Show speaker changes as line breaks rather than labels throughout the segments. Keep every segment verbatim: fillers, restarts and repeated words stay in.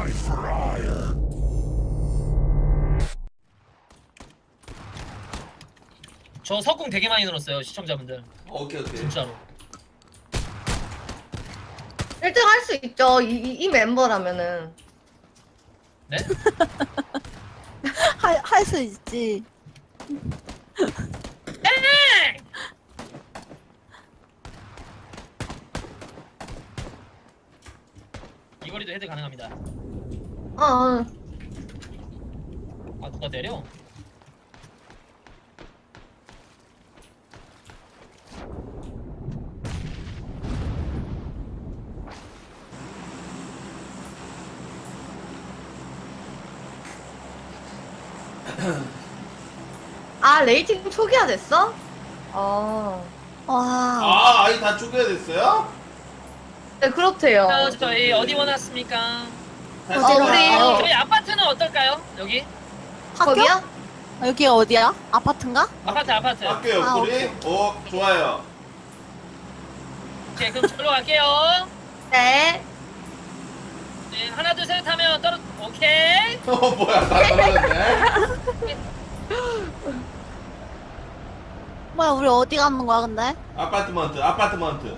저 석궁 되게 많이 늘었어요 시청자분들.
오케이 오케이.
진짜로.
일 등 할 수 있죠. 이, 이, 이 멤버라면은.
네?
할 수 있지.
이 거리도 헤드 가능합니다.
어, 어.
아 누가 때려?
아, 레이팅 초기화 됐어? 어.
와.
아 아이 다 쪼개야 됐어요?
네, 그렇대요.
자, 저희 어디 원하십니까?
다시
어, 우리-
가요.
저희 아파트는 어떨까요? 여기?
학교?
거기요?
여기 어디야? 아파트인가?
아파트 아파트.
학교
아,
옆구리? 어 좋아요.
오케이 그럼 저로 갈게요.
네.
네 하나 둘 셋 하면 떨어. 오케이.
어 뭐야 다 떨어졌네.
뭐야, 우리 어디 가는 거야, 근데?
아파트먼트 아파트먼트.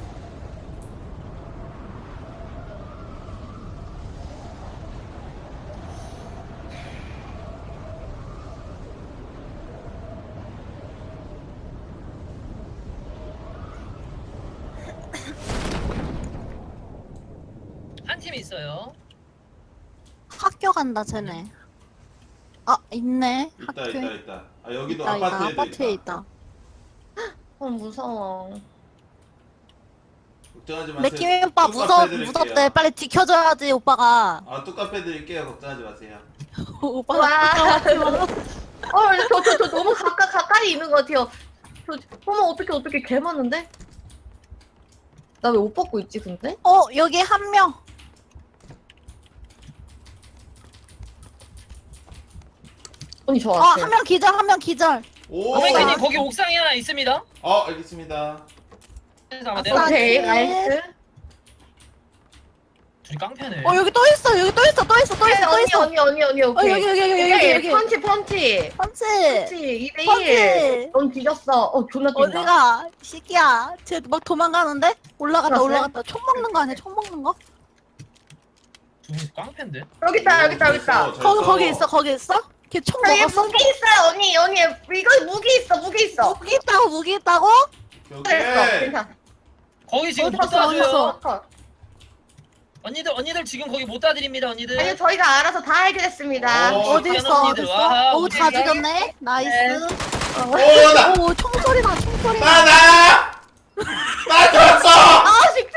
한 팀 있어요.
학교 간다, 쟤네. 아, 있네.
있다
학교에.
있다 있다. 아 여기도
있다, 있다.
아파트에도
아파트에
있다.
있다.
어, 무서워.
걱정하지 마세요.
레키미 오빠
뚝
무섭,
카페 드릴게요.
무섭대. 빨리 지켜줘야지, 오빠가.
아 뚝카페 드릴게요. 걱정하지 마세요.
오빠가.
와. 어, 저, 저, 저 너무 가까, 가까이 있는 것 같아요. 저, 어머, 어떻게, 어떻게 개 많은데? 나 왜 옷 벗고 있지, 근데?
어, 여기 한 명.
언니, 저
어,
왔어요.
한 명 기절, 한 명 기절.
오.
어메이크님 거기 옥상에 하나 있습니다.
어 알겠습니다.
그래서 아마
아싸.
내가
오케이,
네.
나이스.
둘이 깡패네.
어, 여기 또 있어, 여기 또 있어, 또 있어, 또 있어, 또
언니,
있어.
언니, 언니, 언니,
어,
오케이.
여기, 여기, 여기, 여기,
오케이,
여기.
펀치, 펀치.
펀치.
펀치, 이 대 일.
펀치.
넌 뒤졌어. 어, 존나 뛴다.
어디가? 시기야. 쟤 막 도망가는데? 올라갔다,
들었어요?
올라갔다. 총 먹는 거 아니야, 총 먹는 거?
두 분이 깡패인데?
여기 있다, 여기 있다, 여기 있다.
잘
거기,
써.
거기 있어, 거기 있어? 걔 총
저기
먹었어?
무기 있어요, 언니, 언니. 이거 무기 있어, 무기 있어.
무기 있다고, 무기 있다고?
여기.
됐어, 괜찮아.
거기 지금 못
어디 갔어, 어디
따줘요.
갔어?
언니들 언니들 지금 거기 못 따드립니다 언니들.
아니요, 저희가 알아서 다 해결했습니다.
어,
어디 있어, 어디
언니들, 와,
있어? 오, 다
어디야?
죽였네? 나이스.
오 나.
오, 총소리 나, 총소리
나
나.
나. 나 들었어.
아, 진짜.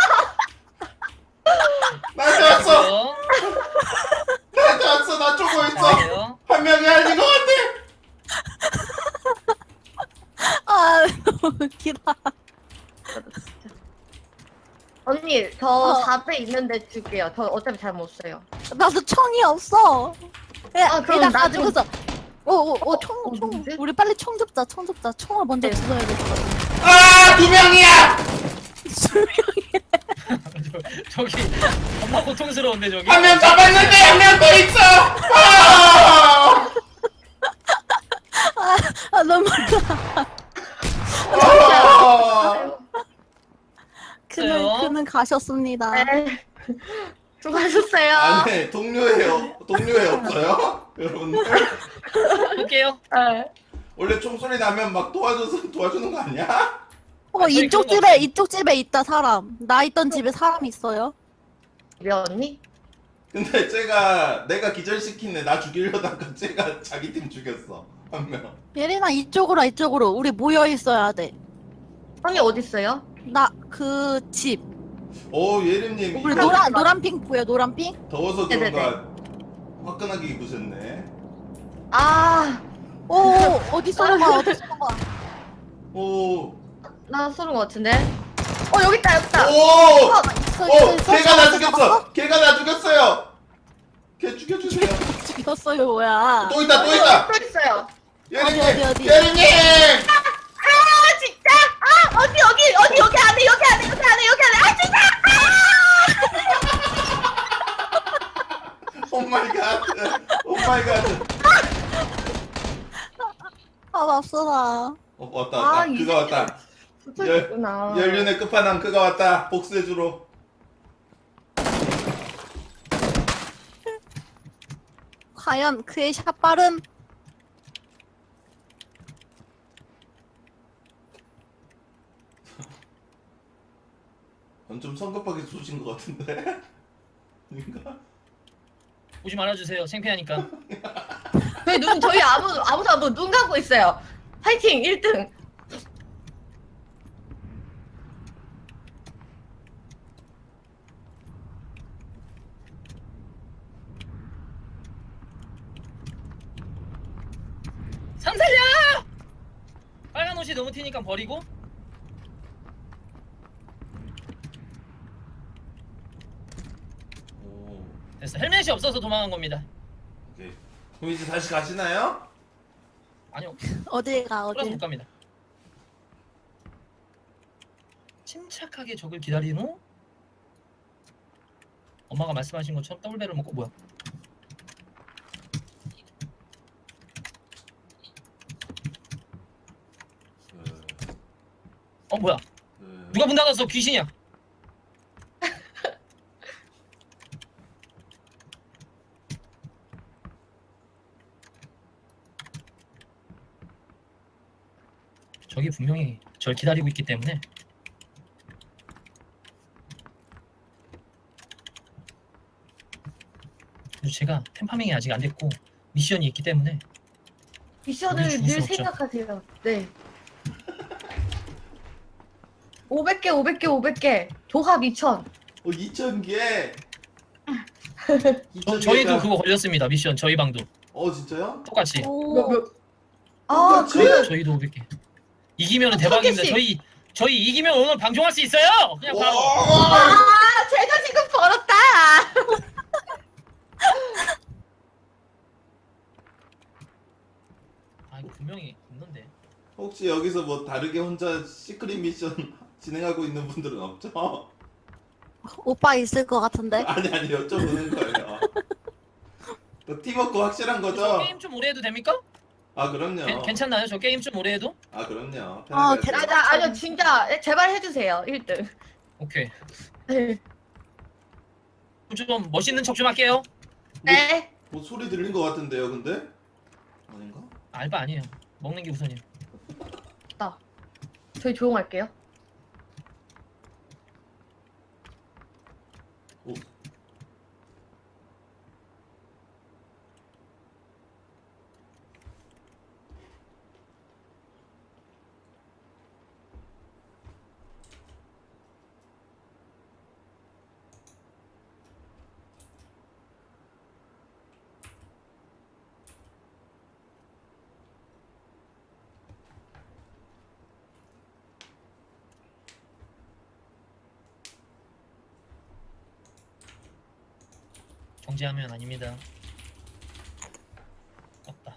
나 들었어.
어?
나 들었어. 나 쪼고 있어.
잘해요.
한 명이 아닌 것 같아.
아, 너무 웃기다.
언니, 저
어.
사 배 있는데 줄게요. 저 어차피 잘 못 써요.
나도 총이 없어. 야,
아, 그럼
일단
나 좀-
가지고서. 오, 오, 오, 총,
어,
총.
누구지?
우리 빨리 총 잡자, 총 잡자. 총을 먼저
네.
주워야겠어.
아, 두 명이야.
저기 겁나 고통스러운데 저기.
한 명 잡았는데 한 명 더 있어. 아!
아, 아, 너무 몰라.
아!
그는,
있어요?
그는 가셨습니다.
네. 수고하셨어요.
아니, 동료예요. 동료애 없어요? 여러분들?
볼게요.
네.
원래 총소리 나면 막 도와줘서 도와주는 거 아니야?
어,
아, 저희
이쪽
그런 거
집에,
없어요.
이쪽 집에 있다, 사람. 나 있던 집에 사람 있어요.
우리 언니?
근데 쟤가 내가 기절시킨 애 나 죽이려다가 쟤가 자기 팀 죽였어. 한 명.
예린아, 이쪽으로, 와, 이쪽으로. 우리 모여 있어야 돼.
언니 어딨어요?
나, 그 집.
오, 예림님
우리
이거
노란, 노란 핑 보여, 노란 핑?
더워서
네네네.
그런가 화끈하게 입으셨네.
아,
오, 어디 쏘는 거야, 어디 쏘는 거야.
오.
나 쏘는 것 같은데? 어, 여기 있다, 여기 있다.
오!
어, 있어, 있어,
오!
있어.
걔가 나
잡았어,
죽였어!
잡았어?
걔가 나 죽였어요! 걔 죽여주세요.
죽였어요, 뭐야.
또 있다, 또 있다!
또 있어요.
예림님!
어디, 어디?
예림님!
아, 진짜! 아, 언니, 여기, 언니, 여기 안에, 여기 안에, 여기 안에, 여기 안에. 아, 진짜!
맙소사.
어 왔다 왔다.
아, 이
그가 왔다.
붙어
열-
있구나.
연륜의 끝판왕 그가 왔다. 복수해주러.
과연 그의 샷발은
좀 성급하게 쏘신 것 같은데. 아닌가?
오지 말아주세요. 창피하니까.
저희 눈 저희 아무 아무도 아무 눈 감고 있어요. 파이팅 일 등.
상 살려! 빨간 옷이 너무 튀니까 버리고.
오.
됐어. 헬멧이 없어서 도망간 겁니다.
오케이. 그럼 이제 다시 가시나요?
아니요.
어디가
돌아서
어디?
못 갑니다. 침착하게 적을 기다린 후 엄마가 말씀하신 것처럼 더블배를 먹고 뭐야?
네.
어 뭐야?
네.
누가 문 닫았어? 귀신이야. 저기 분명히 절 기다리고 있기 때문에 그리고 제가 템파밍이 아직 안 됐고 미션이 있기 때문에
미션을
우리 죽을
늘
수 없죠.
생각하세요. 네. 오백 개, 오백 개, 오백 개. 조합 이천.
어 이천 개.
저, 저희도 그거 걸렸습니다. 미션 저희 방도
어 진짜요?
똑같이
몇,
오.
몇. 아,
똑같이?
그래요?
저희도 오백 개 이기면은
어,
대박입니다.
천 개씩.
저희 저희 이기면 오늘 방송할 수 있어요. 그냥 바로
와.
아, 제가 지금 벌었다.
아 이거 분명히 있는데
혹시 여기서 뭐 다르게 혼자 시크릿 미션 진행하고 있는 분들은 없죠?
오빠 있을 것 같은데.
아니 아니 여쭤보는 거예요. 그 팀워크 확실한
저
거죠?
게임 좀 오래 해도 됩니까?
아 그럼요.
괜- 괜찮나요? 저 게임 좀 오래 해도?
아 그럼요.
아,
편하게
아,
하세요.
나, 아니요, 진짜 제발 해주세요. 일 등.
오케이
네.
좀 멋있는 척 좀 할게요.
네.
뭐 소리 들린 것 같은데요, 근데? 아닌가?
알바 아니에요. 먹는 게 우선이에요.
나. 저희 조용할게요.
오.
경제하면 아닙니다. 없다.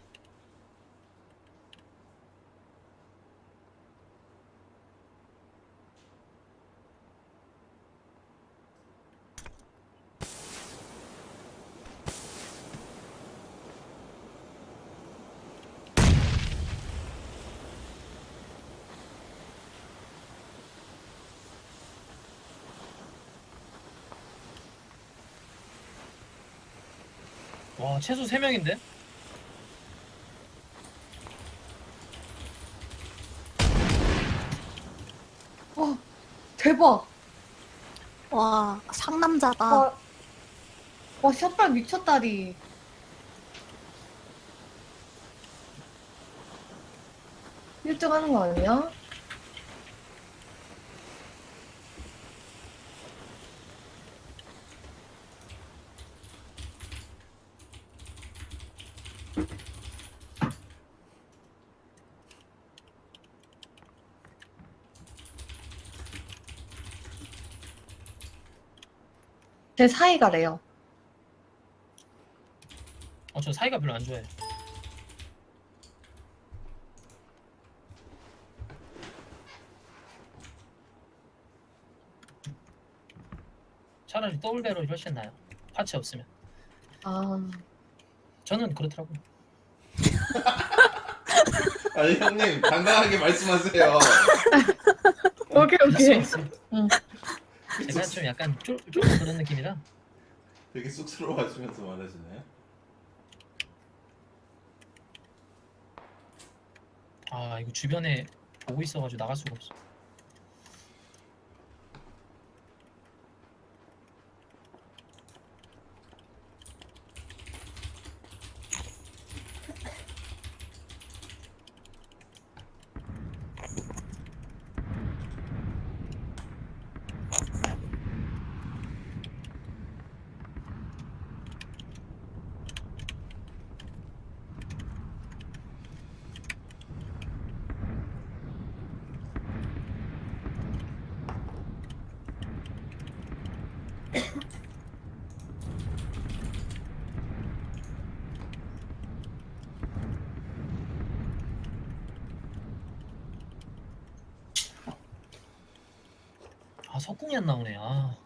와 최소 세 명인데?
와, 대박.
와 상남자다.
와, 와, 샷발 미쳤다리. 일 등 하는 거 아니야? 제 사이가래요.
어 저 사이가 별로 안 좋아해. 차라리 더블배럴이 훨씬 나아요. 파츠 없으면.
아,
저는 그렇더라고.
아니 형님 당당하게 말씀하세요.
오케이 오케이. 응.
제가 좀 약간 쫄, 쫄 그런 느낌이라.
되게 쑥스러워하시면서 말하시나요?
아 이거 주변에 보고 있어가지고 나갈 수가 없어. 아 석궁이 안 나오네. 아.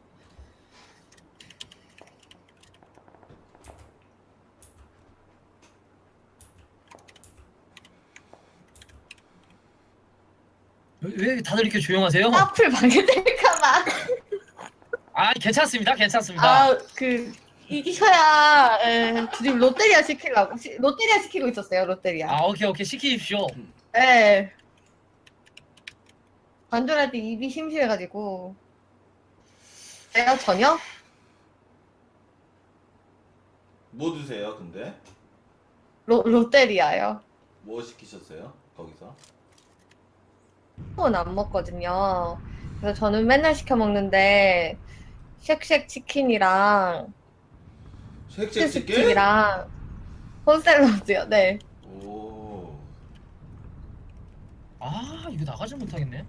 왜, 왜 다들 이렇게 조용하세요?
앞을 방해될까봐.
아 괜찮습니다, 괜찮습니다.
아 그 이기셔야 에, 지금 롯데리아 시키려고 시, 롯데리아 시키고 있었어요. 롯데리아.
아 오케이 오케이 시키십시오.
예. 관절할 때 입이 심심해가지고. 제가 전혀
뭐 드세요 근데?
로, 롯데리아요.
뭐 시키셨어요 거기서?
은 안 먹거든요. 그래서 저는 맨날 시켜 먹는데 쉑쉑 치킨이랑
쉑쉑 치킨?
치즈스틱이랑 콘샐러드요. 네.
오.
아 이거 나가지 못하겠네.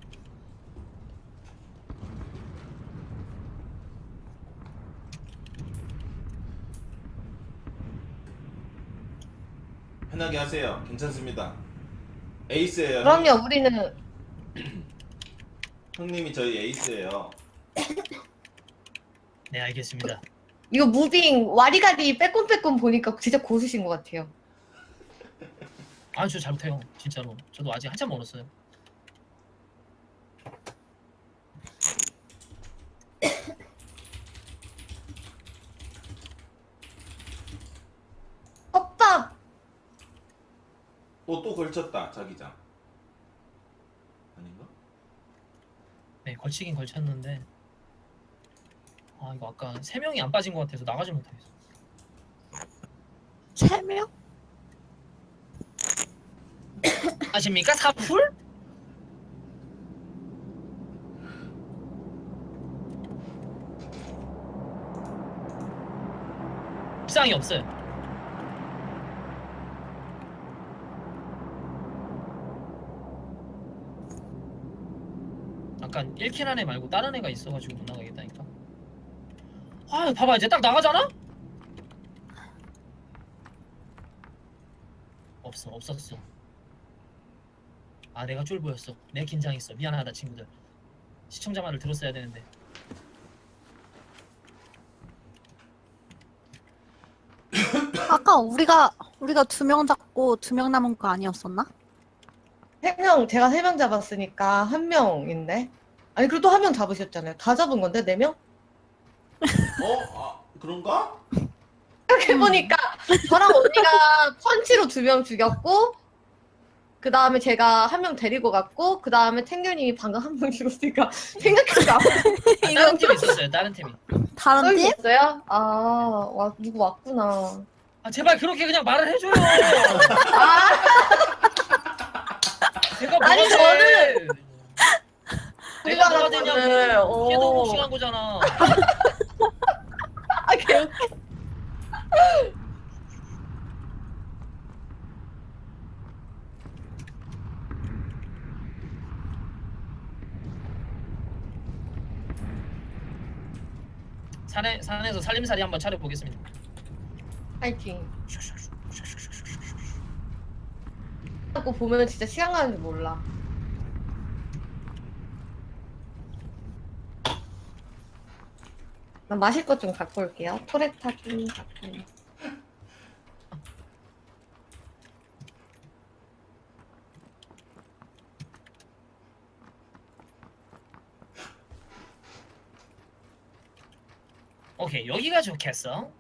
편하게 하세요. 괜찮습니다. 에이스예요.
그럼요. 우리는
형님이 저희 에이스예요.
네 알겠습니다.
이거 무빙 와리가리 빼꼼빼꼼 보니까 진짜 고수신 것 같아요.
아 저 잘못해요 진짜로. 저도 아직 한참 멀었어요.
헛밥.
어, 또 걸쳤다 자기장. 아닌가?
네 걸치긴 걸쳤는데 아 이거 아까 세 명이 안 빠진 것 같아서 나가지 못하겠어.
세 명?
아십니까 사풀? 불상이 없어요. 약간 일 킬 안에 말고 다른 애가 있어가지고 못 나가겠다니까. 아 봐봐 이제 딱 나가잖아? 없어 없었어. 아 내가 쫄 보였어. 내 긴장했어. 미안하다 친구들. 시청자 말을 들었어야 되는데.
아까 우리가 우리가 두 명 잡고 두 명 남은 거 아니었었나?
세 명, 제가 세 명 잡았으니까 한 명인데. 아니, 그래도 한 명 잡으셨잖아요. 다 잡은 건데, 네 명?
어? 아 그런가?
생각해보니까 저랑 언니가 펀치로 두 명 죽였고, 그 다음에 제가 한 명 데리고 갔고, 그 다음에 탱규님이 방금 한 명 죽었으니까 생각해보니까
아, 다른 팀이 있었어요. 다른 팀이.
다른
또
팀?
있었어요? 아, 와, 누구 왔구나.
아 제발 그렇게 그냥 말을 해줘요.
아,
제가 뭐가
아니,
돼?
저는-
내가 뭐가
그거는,
되냐고.
오.
걔도 복싱한 거잖아.
아, 개웃겨.
산에 산에서 살림살이 한번 차려보겠습니다.
파이팅. 자꾸 보면 진짜 시간 가는 줄 몰라. 나 마실 것 좀 갖고 올게요. 토레타기 갖고.
오케이 여기가 좋겠어.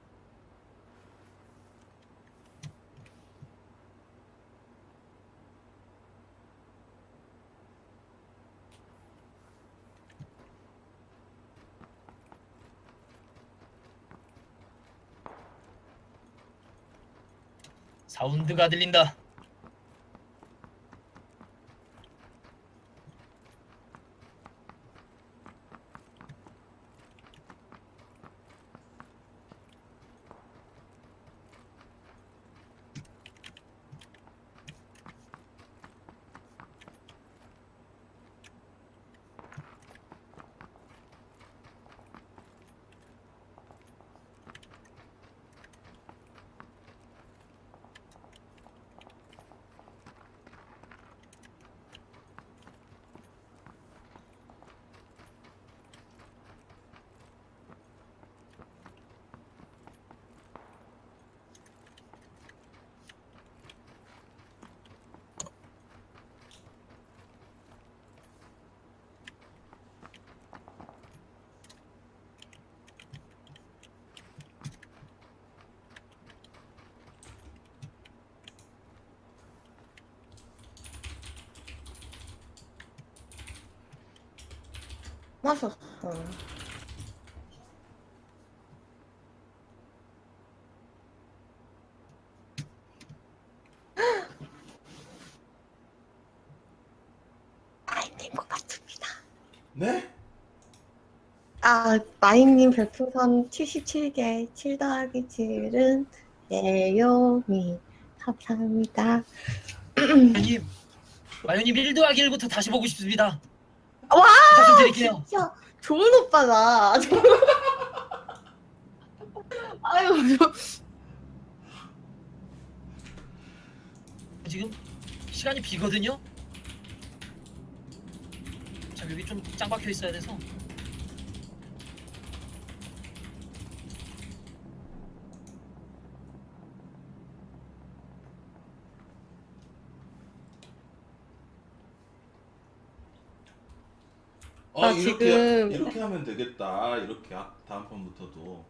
사운드가 들린다.
마셨어. 아이님 것 같습니다.
네?
아, 마이님 별풍선 칠십칠 개, 칠 더하기 칠은 예요미. 감사합니다.
마요님, 마요님 일 더하기 일부터 다시 보고 싶습니다.
와!
부탁 좀 드릴게요.
진짜 좋은 오빠다. 아유, 저-
지금 시간이 비거든요. 자 여기 좀 짱 박혀 있어야 돼서.
어
나
이렇게
지금-
이렇게 하면 되겠다. 이렇게 아- 다음 판부터도.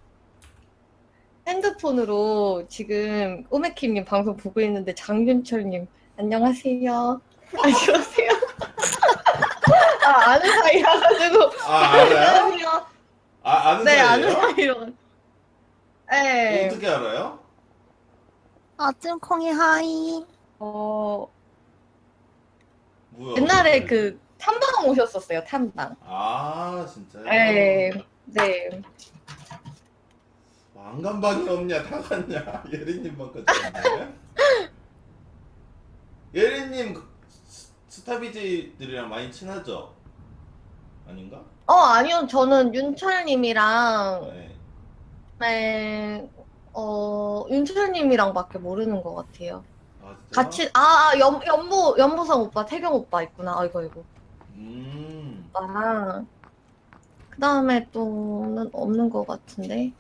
핸드폰으로 지금 오메킴님 방송 보고 있는데 장윤철님 안녕하세요. 안녕하세요. 아 아는 사이라가지고
아 알아요?
안녕하세요.
아 아는
네
사이예요?
아는 사이로. 네.
어떻게 알아요?
아 찜콩이 하이.
어
뭐야?
옛날에 그 탐방 오셨었어요 탐방.
아 진짜요?
네. 네.
왕관방이 없냐 다 갔냐 예린님만까지 갔네. 예린님 그 스- 스타비지들이랑 많이 친하죠? 아닌가?
어 아니요 저는 윤철님이랑
네.
네, 어 윤철님이랑밖에 모르는 것 같아요.
아 진짜?
같이 아 연, 연보 연보성 오빠 태경 오빠 있구나. 아이고 아이고
음.
오빠랑 그 다음에 또는 없는 것 같은데.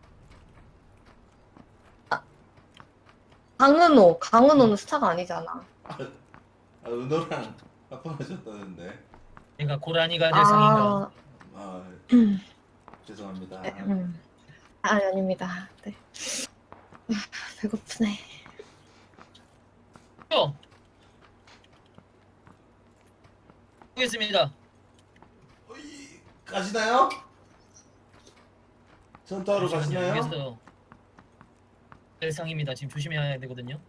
아, 강은호 강은호는 스타가 아니잖아.
아, 아 은호랑 합방하셨다는데.
얘가 고라니가 될 상인가.
아,
아 죄송합니다.
네, 음. 아 아닙니다. 네. 아, 배고프네.
요. 보겠습니다.
어이, 가시나요? 전투하러
잠시만요.
가시나요?
여기서 될 상입니다. 지금 조심해야 되거든요.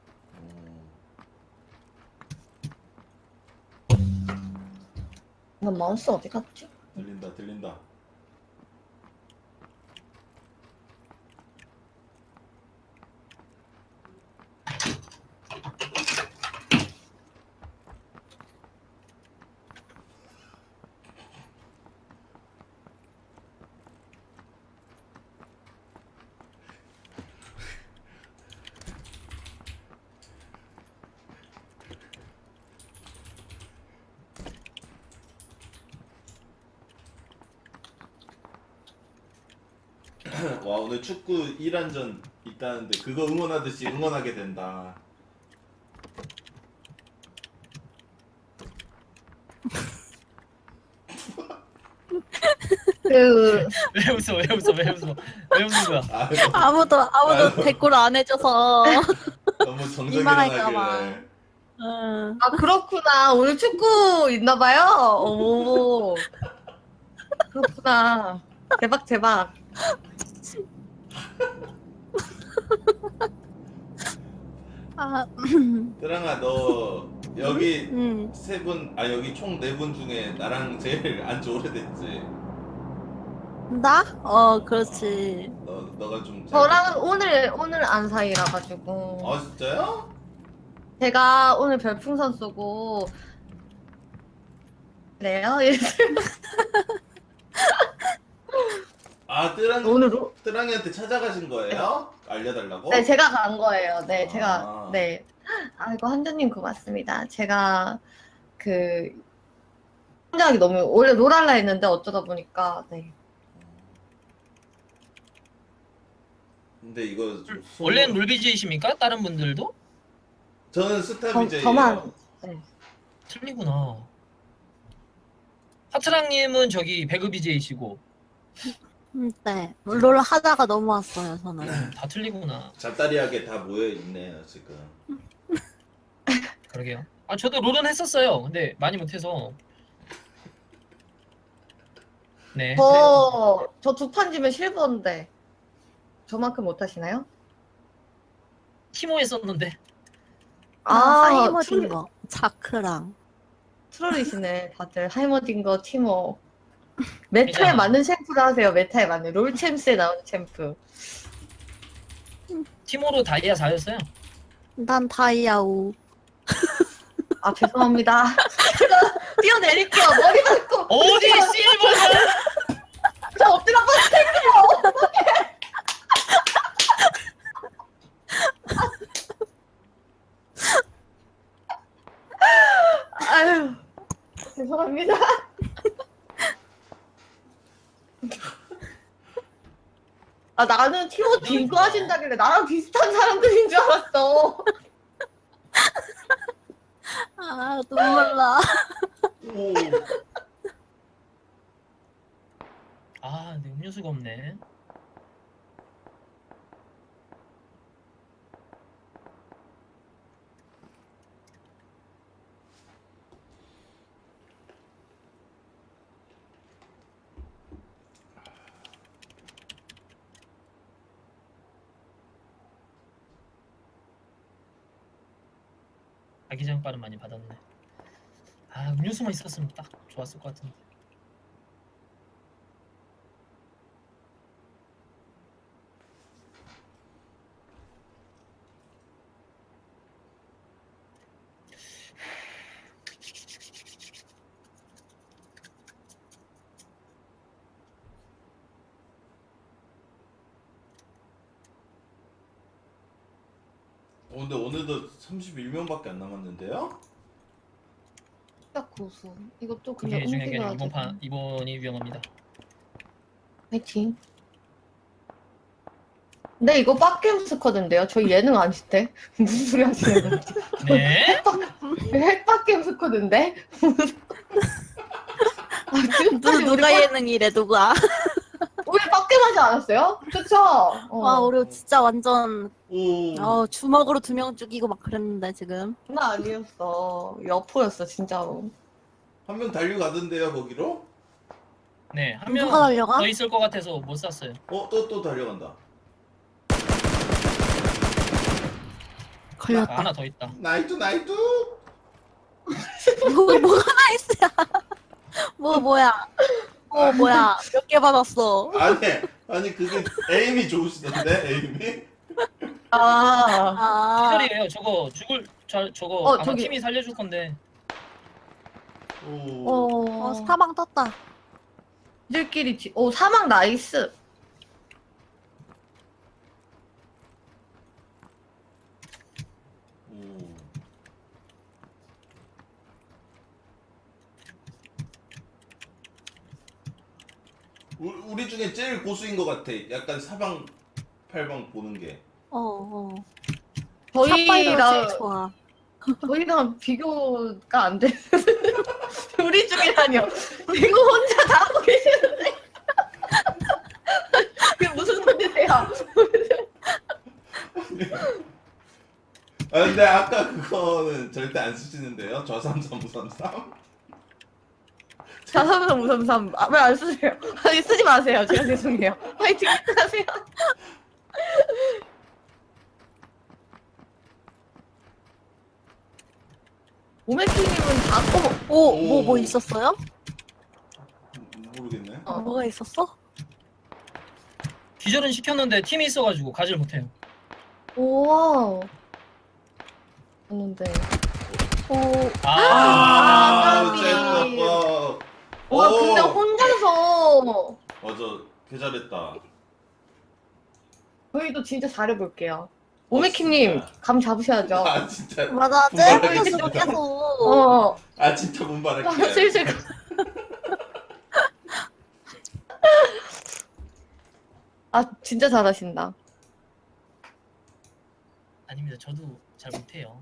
음,
난 마우스 어디 갔지?
들린다 들린다. 와 오늘 축구 일 안전 있다는데 그거 응원하듯이 응원하게 된다.
그
왜 웃어 왜 웃어 왜 웃어 왜 웃는 거야?
아, 너무,
아무도 아무도
아이고.
댓글 안 해줘서.
너무 정적
민망할까
일어나길래.
응.
아 그렇구나. 오늘 축구 있나 봐요. 오. 그렇구나. 대박 대박.
아,
뜨랑아 너 여기
응.
세 분, 아 여기 총 네 분 중에 나랑 제일 안지 오래됐지.
나? 어, 그렇지.
너 너가 좀. 잘-
저랑은 오늘 오늘 안 사이라 가지고
아 진짜요?
제가 오늘 별풍선 쏘고 그래요?
아 뜨랑
오늘 로-
뜨랑이한테 찾아가신 거예요? 알려달라고?
네 제가 간 거예요. 네
아.
제가 네. 아이고 한주님 고맙습니다. 제가 그 혼자하기 너무 원래 롤할라 했는데 어쩌다 보니까 네.
근데 이거 좀 소-
원래는 롤비지이십니까? 다른 분들도?
저는
저,
스타비제예요.
저만 네.
틀리구나. 하트랑님은 저기 배그 비제이시고
음, 네. 롤 하다가 넘어왔어요, 저는.
다 틀리구나.
잡다리하게 다 모여 있네요 지금.
그러게요. 아 저도 롤은 했었어요. 근데 많이 못해서. 네.
저, 저 두 판 지면 실버인데 저만큼 못하시나요?
티모 했었는데.
아,
아,
하이머진
트롤-
거. 자크랑.
트롤이시네 다들 하이머딩거 티모 메타에
괜찮아.
맞는 챔프를 하세요. 메타에 맞는 롤챔스에 나오는 챔프.
티모로 다이아 사였어요.
난 다이아오.
아 죄송합니다. 제가 뛰어내릴게요. 머리 맞고
어디 실버가?
저 엎드려 뻗을게요. 아유 죄송합니다. 아 나는 티모 딩거 하신다길래 나랑 비슷한 사람들인 줄 알았어.
아, 눈물 나.
오.
아, 근데 음료수가 없네. 아기장빠는 많이 받았네. 아, 음료수만 있었으면 딱 좋았을 것 같은데.
어, 근데 오늘도 삼십일 명밖에 안 남았는데요?
딱 고수. 이것도 그냥
그게 중요한 게 아니라
움직여야
이번
돼.
판 이번이 위험합니다.
파이팅. 근데 이거 빡겜 스쿼드인데요? 저희 예능 아니시대? 무슨 소리 하시는 거지?
네?
핵빡겜 스쿼드인데? 아, 지금까지
누,
우리
누가
빡-
예능이래, 누가.
우리 빡겜 하지 않았어요? 그쵸? 어.
와, 우리 진짜 완전,
오.
어, 주먹으로 두 명 죽이고 막 그랬는데, 지금.
나 아니었어. 여포였어, 진짜로.
한 명 달려가던데요 거기로?
네, 한 명
누가 달려가?
더 있을 것 같아서 못 쐈어요.
어 또 또 달려간다.
아,
걸렸다.
하나 더 있다.
나이트 나이트.
뭐, 뭐가 나이스야. 뭐, 뭐야. 뭐, 뭐야. 몇 개 받았어.
아니 아니 그게 에임이 좋으시던데 에임이?
아,
아,
기절이에요. 저거 죽을 저 저거
어,
아마
저기-
팀이 살려줄 건데.
오.
어,
어, 사망 떴다.
들끼리 뒤, 오, 사막 나이스.
오. 우- 우리 중에 제일 고수인 것 같아. 약간 사방 팔방 보는 게.
어, 어. 샷발이가 제일
저희랑,
좋아.
저희랑 비교가 안 돼. 우리 중이라뇨. 이거 혼자 다 하고 계시는데.
근데 아까 그거는 절대 안 쓰시는데요? 저삼삼 우삼삼?
자삼삼 우삼삼 아, 왜 안 쓰세요? 아니 쓰지 마세요. 제가 죄송해요. 화이팅 하세요. 오메키님은 다 어머
오,
오.
뭐, 뭐 있었어요?
모르겠네.
어.
뭐가 있었어?
기절은 시켰는데 팀이 있어가지고 가지를 못해요.
우와. 했는데 오.
아,
아,
아,
까비.
젠더법.
와 근데 혼자서
맞아, 개 잘했다.
저희도 진짜 잘해볼게요. 오메키님
진짜.
감 잡으셔야죠.
아 진짜.
맞아,
분발하겠습니다.
쟤 속에서.
어.
아 진짜
아,
분발할게요.
슬슬. 아 진짜 잘하신다.
아닙니다. 저도 잘 못해요.